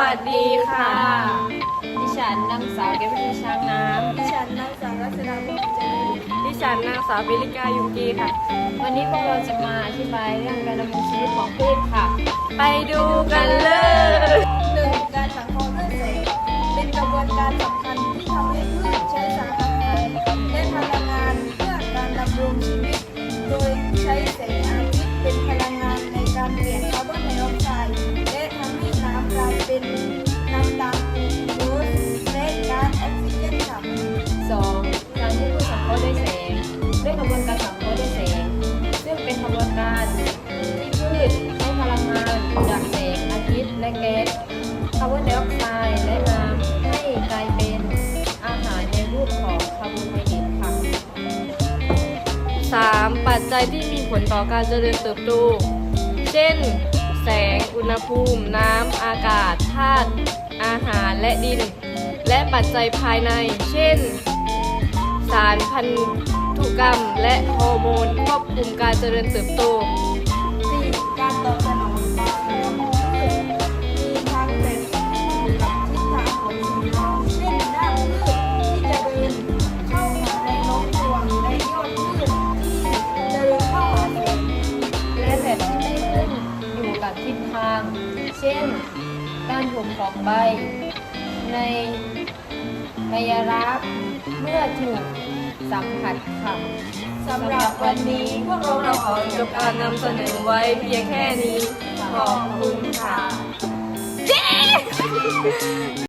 วัสดีค่ะดิฉันนางสาวเกวินช้างน้ำดิฉันนางสาวรัชดาพงษ์เจริญดิฉันนางสาวปิริกายุงกีค่ะ วันนี้พวกเราจะมาอธิบายเรื่องการดำรงชีวิตของพืชค่ะ ไปดูกันเลย 1. การสังเคราะห์ด้วยแสงเป็นกระบวนการสำคัญที่ทำให้พืชใช้สารอาหารและพลังงานเพื่อการดำรงชีวิต โดยใช้แสงอาทิตย์เป็นพลังงานในการเปลี่ยนคาร์บอนไดออกไซด์และทำให้น้ำกลายเป็นน้ำตาลกลูโคสและก๊าซออกซิเจนต่ำ 2. การที่พืชสังเคราะห์ด้วยแสงด้วยกระบวนการสังเคราะห์ด้วยแสงซึ่งเป็นกระบวนการที่พืชใช้พลังงานจากแสงอาทิตย์และแก๊สคาร์บอนไดออกไซด์และน้ำให้กลายเป็นอาหารในรูปของคาร์โบไฮเดรตค่ะ 3. ปัจจัยที่มีผลต่อการเจริญเติบโตเช่น แสง อุณหภูมิ น้ำ อากาศ ธาตุ อาหาร และดิน และปัจจัยภายใน เช่น สารพันธุกรรม และฮอร์โมนควบคุมการเจริญเติบโต 4. การตอบสนองต่ออุณหภูมิพืชมีทั้งแบบที่อยู่กับทิศทางของสิ่งเร้าเช่นรากพืชที่จะเดินเข้าหาในโน้มถ่วงและยอดพืชที่เดินเข้าหาแสงและแบบที่ไม่ขึ้นอยู่กับทิศทาง เช่น การถมของใบ ในระยะรักเมื่อถูกสัมผัสค่ะสำหรับวันนี้พวกเราขอจบการนำเสนอไว้เพียงแค่นี้ ขอบคุณค่ะ